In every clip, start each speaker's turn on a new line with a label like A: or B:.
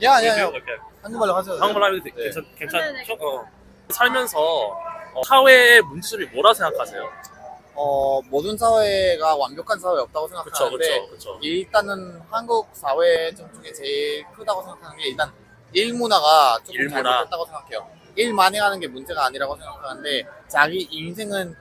A: 야, 아니야, 아니야.
B: 이렇게
A: 한국말로 하셔도 돼요.
B: 한국말 하면
A: 네.
B: 괜찮죠? 살면서 사회의 문제점이 뭐라 생각하세요?
A: 모든 사회가 완벽한 사회 없다고 생각하는데
B: 그쵸.
A: 일단은 한국 사회 중에 제일 크다고 생각하는 게 일단 일 문화가 조금
B: 일문화.
A: 잘못됐다고 생각해요. 일 많이 하는 게 문제가 아니라고 생각하는데 자기 인생은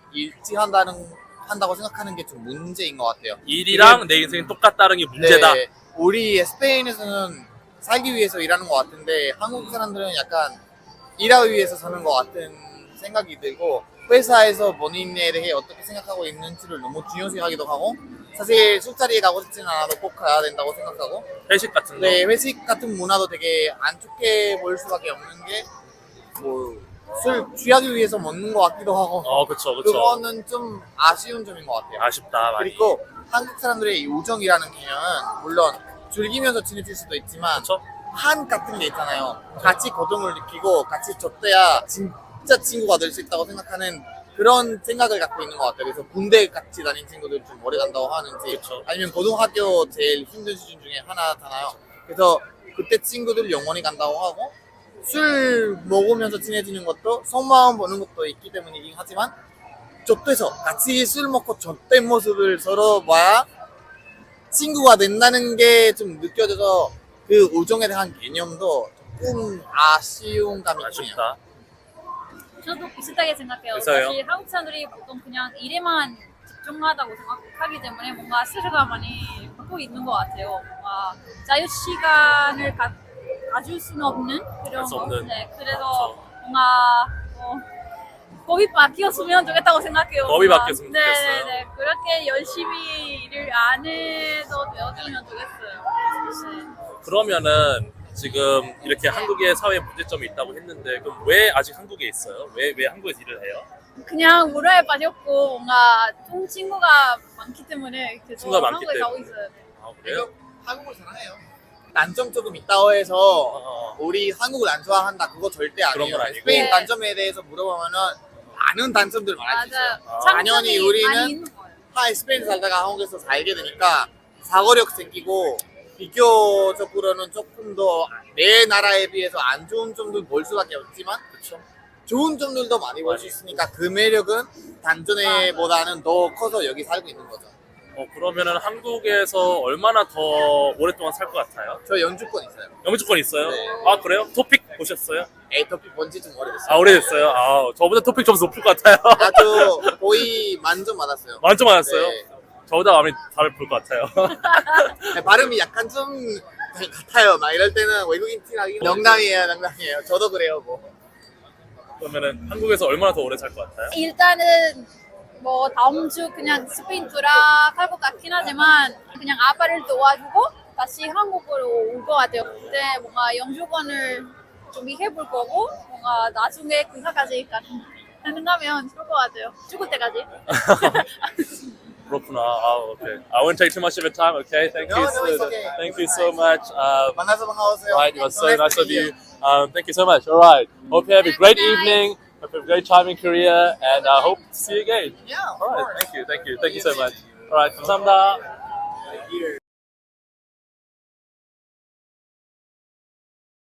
A: 한다고 생각하는 게 좀 문제인 것 같아요.
B: 일이랑 내 인생이 똑같다는 게 문제다.
A: 네, 우리 스페인에서는 살기 위해서 일하는 것 같은데 한국 사람들은 약간 일하기 위해서 사는 것 같은 생각이 들고 회사에서 본인에 대해 어떻게 생각하고 있는지를 너무 중요시하기도 하고 사실 술자리에 가고 싶지는 않아도 꼭 가야 된다고 생각하고
B: 회식 같은 거.
A: 네, 회식 같은 문화도 되게 안 좋게 보일 수밖에 없는 게 뭐 술 취하기 위해서 먹는 것 같기도 하고
B: 그쵸.
A: 그거는 좀 아쉬운 점인 것 같아요.
B: 아쉽다, 많이.
A: 그리고 한국 사람들의 우정이라는 개념은 물론 즐기면서 지내실 수도 있지만
B: 그쵸?
A: 한 같은 게 있잖아요. 같이 고통을 느끼고 같이 줬대야 진짜 친구가 될 수 있다고 생각하는 그런 생각을 갖고 있는 것 같아요. 그래서 군대 같이 다닌 친구들 좀 오래 간다고 하는지
B: 그쵸.
A: 아니면 고등학교 제일 힘든 수준 중에 하나잖아요. 그래서 그때 친구들 영원히 간다고 하고 술 먹으면서 친해지는 것도 속마음 보는 것도 있기 때문이긴 하지만 좁돼서 같이 술 먹고 좁된 모습을 서로 봐야 친구가 된다는 게 좀 느껴져서 그 우정에 대한 개념도 조금 아쉬운 감이 있네요.
B: 아쉽다.
C: 저도 비슷하게 생각해요.
B: 그래서요?
C: 사실 한국 사람들이 보통 그냥 일에만 집중하다고 생각하기 때문에 뭔가 스트레스가 많이 받고 있는 것 같아요. 뭔가 자유 시간을 가질 수는 없는 그런
B: 수
C: 거.
B: 없는.
C: 네, 그래서 뭔가 법이 바뀌었으면 좋겠다고 생각해요.
B: 법이
C: 뭔가.
B: 바뀌었으면 좋겠어요.
C: 네, 그렇게 열심히 일을 안 해도 되었으면 좋겠어요. 네.
B: 그러면은 지금 이렇게 한국의 사회 문제점이 있다고 했는데 그럼 왜 아직 한국에 있어요? 왜 한국에서 일을 해요?
C: 그냥 문화에 빠졌고 뭔가 좋은 친구가 많기 때문에 계속
B: 친구가 많기
C: 한국에 가고
B: 때문에.
C: 있어요.
B: 아 그래요?
A: 한국을 사랑해요. 단점 조금 있다고 해서 우리 한국을 안 좋아한다 그거 절대
B: 그런
A: 아니에요.
B: 건 아니고.
A: 스페인
C: 네.
A: 단점에 대해서 물어보면은 많은 단점들 말할 수 있어요.
C: 맞아요.
A: 당연히
C: 장점이
A: 우리는
C: 많이 있는 거예요.
A: 스페인 살다가 한국에서 살게 되니까 사고력 생기고 비교적으로는 조금 더 내 나라에 비해서 안 좋은 점들 볼 수밖에 없지만
B: 그렇죠.
A: 좋은 점들도 많이 볼 수 있으니까 그 매력은 단전에보다는 더 커서 여기 살고 있는 거죠.
B: 그러면은 한국에서 얼마나 더 오랫동안 살 것 같아요?
A: 저 연주권 있어요.
B: 영주권 있어요?
A: 네.
B: 아 그래요? 토픽 보셨어요?
A: 에이토피 본지 좀 오래됐어요.
B: 아 오래됐어요? 아 저보다 토픽 점수 높을 것 같아요.
A: 아주 거의 만점 받았어요.
B: 만점 맞았어요?
A: 네.
B: 저보다 마음이 잘 볼 것 같아요.
A: 발음이 약간 좀 같아요. 막 이럴 때는 외국인 티나기 농담이에요. 저도 그래요. 뭐.
B: 그러면은 한국에서 얼마나 더 오래 살 것 같아요?
C: 일단은 뭐 다음 주 그냥 스페인 돌아갈 것 같긴 하지만 그냥 아빠를 도와주고 다시 한국으로 올 것 같아요. 근데 뭔가 영주권을 준비해 볼 거고 뭔가 나중에 그사까지 가능하면 좋을 것 같아요. 죽을 때까지.
B: 그렇구나. Okay. I won't take too much of your time. Okay, thank you.
A: No, it's okay.
B: Thank you so much.
A: 만나서 반가웠어요.
B: Right, it was so nice of you.
A: you.
B: Thank you so much. All right. Hope you have a great evening. Hope you have a great time in Korea, and I hope to see you again.
A: Yeah, of
B: All right.
A: course.
B: Thank you so much. All right. 감사합니다.
A: Here.